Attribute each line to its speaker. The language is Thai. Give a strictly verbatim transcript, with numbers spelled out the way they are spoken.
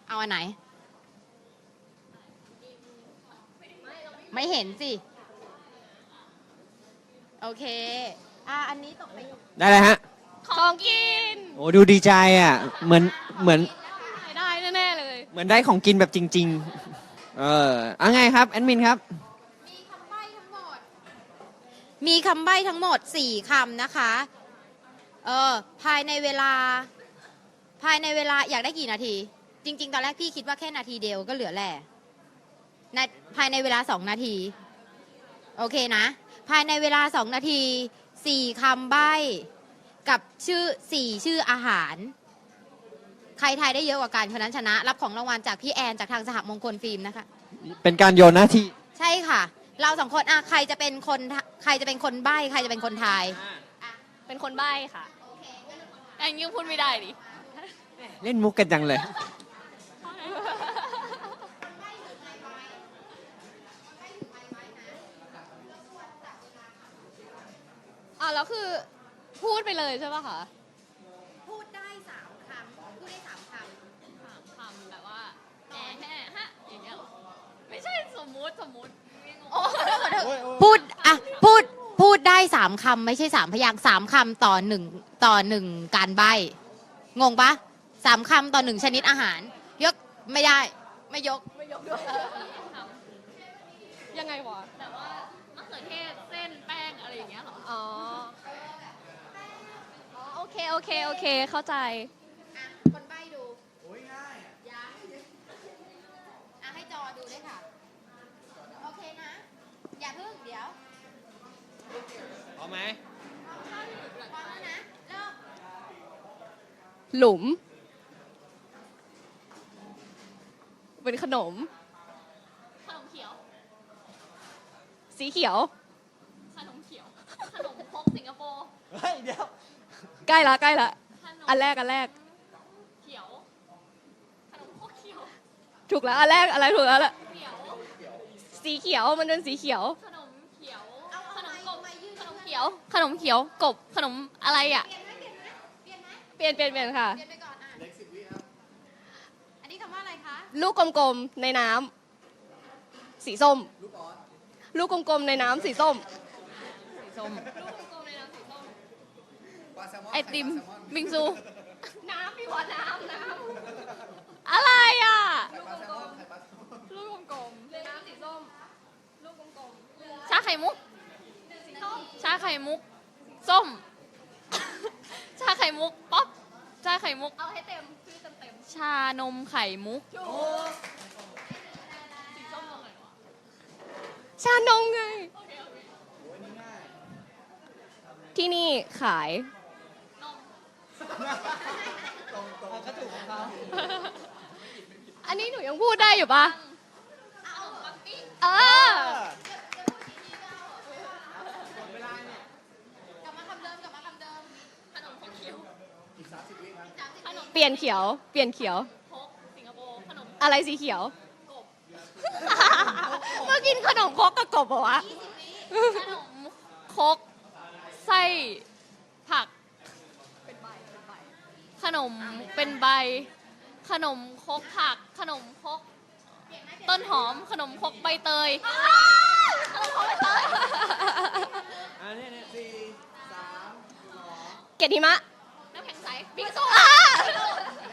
Speaker 1: เอาอันไหน ไม่เห็นสิ โอเค อ่ะอันนี้ตกไป
Speaker 2: ได้เลยฮะ
Speaker 3: ของกิน
Speaker 2: โอ้ดูดีใจอ่ะ เหมือนเหมือน
Speaker 3: ได้แน่ๆเลย
Speaker 2: เหมือนได้ของกินแบบจริง ๆ เออเอาไงครับแอดมินครับ
Speaker 1: มีคำใบ้ทั้งหมด มีคำใบ้ทั้งหมดสี่คำนะคะ เออ ภายในเวลา ภายในเวลาอยากได้กี่นาที จริง ๆ ตอนแรกพี่คิดว่าแค่นาทีเดียวก็เหลือแหละในภายในเวลาสองนาที โอเคนะ ภายในเวลาสองนาทีสี่คำใบ้กับชื่อสี่ชื่ออาหาร ใครทายได้เยอะกว่ากันคนนั้นชนะ รับของรางวัลจากพี่แอนจากทางสหมงคลฟิล์มนะคะ
Speaker 2: เป็นการโยนหน้าที่
Speaker 1: ใช่ค่ะ เราสองคนอ่ะใครจะเป็นคนใครจะเป็นคนใบ้ใครจะเป็นคนทาย
Speaker 3: เป็นคนใบ้ค่ะแองยังพูดไม่ได้ดิ
Speaker 2: เล่นมุกกันจังเลย
Speaker 3: อ่ะแล้วคือพูดไปเลยใช่ป่ะคะ
Speaker 1: พูดได้สามคำพูดได้สามค
Speaker 3: สามคำแบบว่าแอะแฮะฮะอย่างเงี้ยเหรอไม่ใช่สมมุติสมมุติโอ้
Speaker 1: ำพูดอ่ะพูดพูดได้สามคำไม่ใช่สามพยางค์สามคำต่อหนึ่งต่อหนึ่งการใบ้งงปะสามคำต่อหนึ่งชนิดอาหาร ยกไม่ได้ไม่ยก
Speaker 3: ไม่ยกด้วยยังไงวะแบบว่ามะเขือเทศเส้นแป้งอะไรอย่างเงี้ยเหรออ๋ออ๋อโอเคโอเคโอเคเข้าใจ
Speaker 1: อ่ะคนใบ้ดูโอ้ยง่ายยังอ่ะให้จอดูด้วยค่ะ โอเคนะ อย่าเพิ่งเดี๋ยว
Speaker 2: พร้อมไหม
Speaker 1: พร้อมแล้วนะเริ่ม
Speaker 3: หลุม เป็นขนม ขนมเขียว สีเขียว ขนมเขียว ขนมพกสิงคโปร์
Speaker 2: เฮ้ย เดี๋ยว
Speaker 3: ใกล้ละใกล้ละ
Speaker 1: ขนม
Speaker 3: อันแรกอันแรก
Speaker 1: เขียว ขนมพกเขียว
Speaker 3: ถูกแล้วอันแรกอะไรถูกแล้วล่ะ
Speaker 1: เขียว
Speaker 3: สีเขียวมันเป็นสีเขียว
Speaker 1: ขนมเขียว เอา
Speaker 3: ขนมกบ
Speaker 1: มายืด
Speaker 3: ขนมเขียว ขนมเขียว กบ ขนมอะไรอ่ะ
Speaker 1: เปลี่ยนไหมเปลี่ยนไหมเปลี่ยนไหม
Speaker 3: เปลี่ยนเปลี่ยนเปลี่ยนค่ะ
Speaker 1: เปลี่ยนไปก่อนอ่ะเล็กสิบวิครับ อันนี้คำว่าอะไรคะ
Speaker 3: ลูกกลมๆในน้ำสีส้ม ลูกกลมๆในน้ำสีส้ม สีส้ม ลูกกลมๆในน้ำสีส้ม ไอติม บิงซู น้ำพี่วะน้ำน้ำอะไรอ่ะ ลูกกลมๆลูกกลมๆในน้ำสีส้ม ลูกกลมๆชาไข่มุก สีส้ม ชาไข่มุก ส้ม ชาไข่มุก ป๊อป ชาไข่มุก เอาให้เต็มชื่อเต็มเต็มชานมไข่มุก ชานมไง ที่นี่ขายอันนี้หนูยังพูดได้อยู่ปะเออ
Speaker 1: กลับมาคำเดิมกลับมาคำเดิมขนมพกเขียว
Speaker 3: เปลี่ยนเขียว เปลี่ยนเขียว
Speaker 1: พกสิงคโปร์ขนม
Speaker 3: อะไรสีเขียว เมื่อกินขนมครกกับกบเหรอวะ
Speaker 1: ขนม
Speaker 3: ครกไส้ผัก ขนมเป็นใบ ขนมครกผัก ขนมครกต้นหอม ขนมครกใบเตย ขนมครกใบเตย
Speaker 2: อันนี้เนี่ยสี่สาม
Speaker 3: เกล็ดหิมะ
Speaker 1: น้ำแข็งใส
Speaker 3: บิงซู